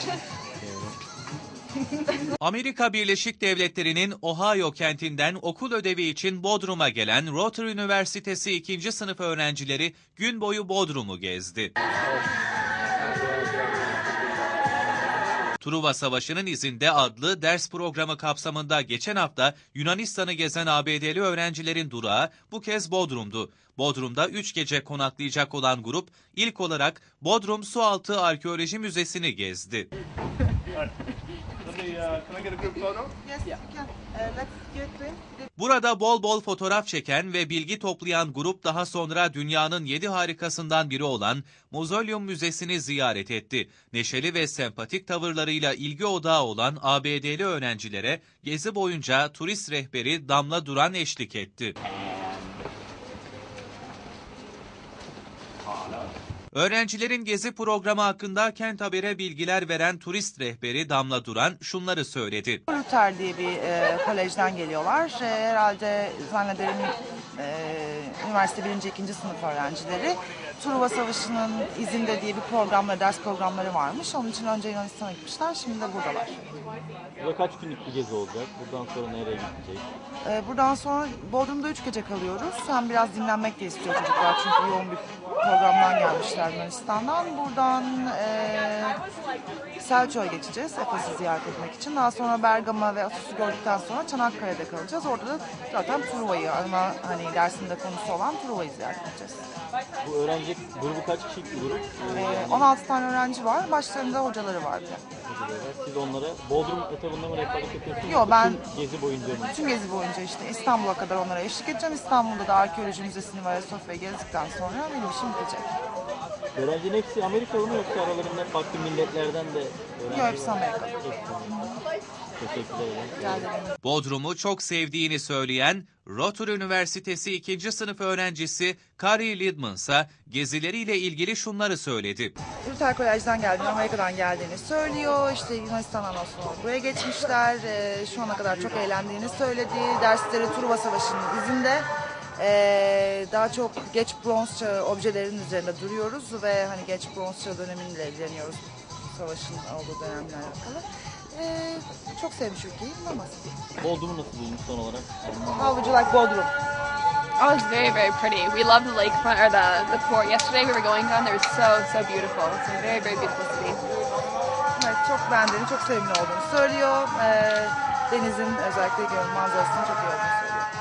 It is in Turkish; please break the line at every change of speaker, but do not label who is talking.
Amerika Birleşik Devletleri'nin Ohio kentinden okul ödevi için Bodrum'a gelen Rotary Üniversitesi 2. sınıf öğrencileri gün boyu Bodrum'u gezdi. Truva Savaşı'nın izinde adlı ders programı kapsamında geçen hafta Yunanistan'ı gezen ABD'li öğrencilerin durağı bu kez Bodrum'du. Bodrum'da 3 gece konaklayacak olan grup ilk olarak Bodrum Sualtı Arkeoloji Müzesi'ni gezdi. Burada bol bol fotoğraf çeken ve bilgi toplayan grup daha sonra dünyanın 7 harikasından biri olan Mozolyum Müzesi'ni ziyaret etti. Neşeli ve sempatik tavırlarıyla ilgi odağı olan ABD'li öğrencilere gezi boyunca turist rehberi Damla Duran eşlik etti. Öğrencilerin gezi programı hakkında Kent Haber'e bilgiler veren turist rehberi Damla Duran şunları söyledi.
Luther diye bir kolejden geliyorlar. Herhalde zannederim üniversite 1. 2. sınıf öğrencileri. Truva Savaşı'nın izinde diye bir programla ders programları varmış. Onun için önce Yunanistan'a gitmişler, şimdi de buradalar.
Burada kaç günlük bir gezi olacak? Buradan sonra nereye gidecek?
Buradan sonra Bodrum'da 3 gece kalıyoruz. Hem biraz dinlenmek de istiyor çocuklar çünkü yoğun bir programdan gelmişler Yunanistan'dan. Buradan Selçuk'a geçeceğiz Efes'i ziyaret etmek için. Daha sonra Bergama ve Asos'u gördükten sonra Çanakkale'de kalacağız. Orada da zaten Truva'yı, ama hani dersinde konusu olan Truva'yı ziyaret edeceğiz.
Bu öğrenci grubu kaç kişilik bir grup?
16 tane öğrenci var. Başlarında hocaları var.
Siz onlara Bodrum etabında mı rehberlik yapıyorsunuz?
Yok, ben
gezi boyunca mı?
Tüm gezi boyunca işte İstanbul'a kadar onlara eşlik edeceğim. İstanbul'da da arkeoloji müzesini ve Ayasofya'yı gezdikten sonra benim işim bitecek.
Öğrencinin hepsi Amerikalı mı yoksa aralarında farklı milletlerden de öğrenci?
Yok, hepsi Amerikalı.
Teşekkür ederim.
Bodrum'u çok sevdiğini söyleyen Rotary Üniversitesi 2. sınıf öğrencisi Carrie Lidman ise gezileriyle ilgili şunları söyledi.
Luther Kolej'den geldiğini, Amerika'dan geldiğini söylüyor. İşte Yunanistan'dan sonra buraya geçmişler. Şu ana kadar çok eğlendiğini söyledi. Dersleri Truva Savaşı'nın izinde. Daha çok geç bronz çağı objelerin üzerinde duruyoruz ve hani geç bronz çağı dönemiyle ilgileniyoruz. Savaşın olduğu dönemle alakalı. Çok sevmiş ülkeyi, bulamaz.
Bodrum'u nasıl buldunuz son olarak?
How would you like Bodrum?
Oh, it's very, very pretty. We loved the lakefront, or the port. Yesterday we were going down there. It was so beautiful. It's a very, very beautiful city.
Evet, çok beğendiğini, çok sevimli olduğunu söylüyor. Denizin özellikle manzarasının çok iyi olduğunu söylüyor.